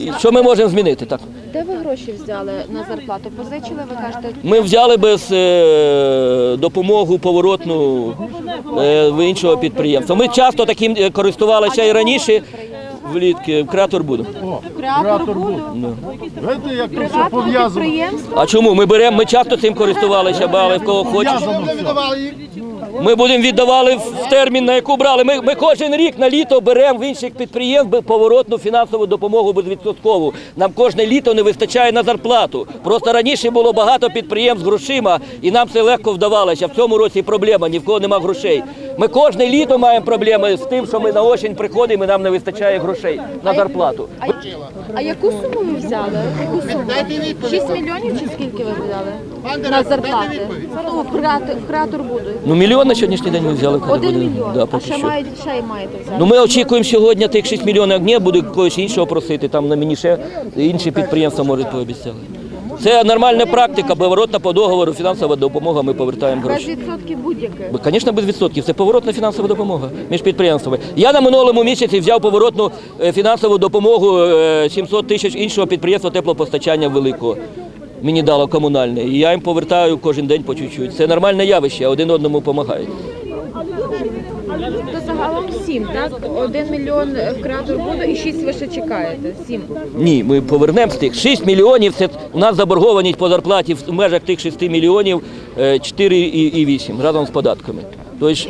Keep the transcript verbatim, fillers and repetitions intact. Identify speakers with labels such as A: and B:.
A: Що ми можемо змінити? Так.
B: Де ви гроші взяли на зарплату? Позичили, ви кажете?
A: Ми взяли без е, допомоги поворотну е, в іншого підприємства. Ми часто таким е, користувалися і раніше, влітки, в Креатор буду.
B: Креатор буду?
C: Знаєте, як це все
B: Приватного
C: пов'язано?
B: підприємства?
A: А чому? Ми беремо, ми часто цим користувалися, брали в кого хочеш. Ми будемо віддавали в термін, на яку брали. Ми, ми кожен рік на літо беремо в інших підприємств поворотну фінансову допомогу безвідсоткову. Нам кожне літо не вистачає на зарплату. Просто раніше було багато підприємств з грошима, і нам це легко вдавалося. В цьому році проблема, ні в кого нема грошей. Ми кожне літо маємо проблеми з тим, що ми на осінь приходимо і нам не вистачає грошей на зарплату.
B: А, а яку суму ви взяли? Яку суму? шість мільйонів чи скільки ви взяли на зарплати? Ну, в Креатор, в Креатор буду.
A: Ну, мільйон на сьогоднішній день ми взяли. коли
B: Один
A: буде.
B: мільйон.
A: Да,
B: А
A: поки
B: ще
A: що.
B: маєте, ще й маєте взяти?
A: Ну, ми очікуємо сьогодні тих шість мільйонів, як не буде когось іншого просити, там на мені ще інші підприємства можуть пообіцяли. Це нормальна практика, поворотна по договору, фінансова допомога, ми повертаємо
B: Без
A: гроші.
B: відсотків будь-яких?
A: Звісно, без відсотків. Це поворотна фінансова допомога між підприємствами. Я на минулому місяці взяв поворотну е, фінансову допомогу е, сімсот тисяч іншого підприємства теплопостачання великого. Мені дало комунальне. І я їм повертаю кожен день по чуть-чуть. Це нормальне явище, один одному допомагають.
B: То загалом сім, так? Один мільйон в Креатор буду і шість ви ще чекаєте? Сім.
A: Ні, ми повернемо з тих. шість мільйонів, це у нас заборгованість по зарплаті в межах тих шести мільйонів, е, чотири і вісім разом з податками. Тобто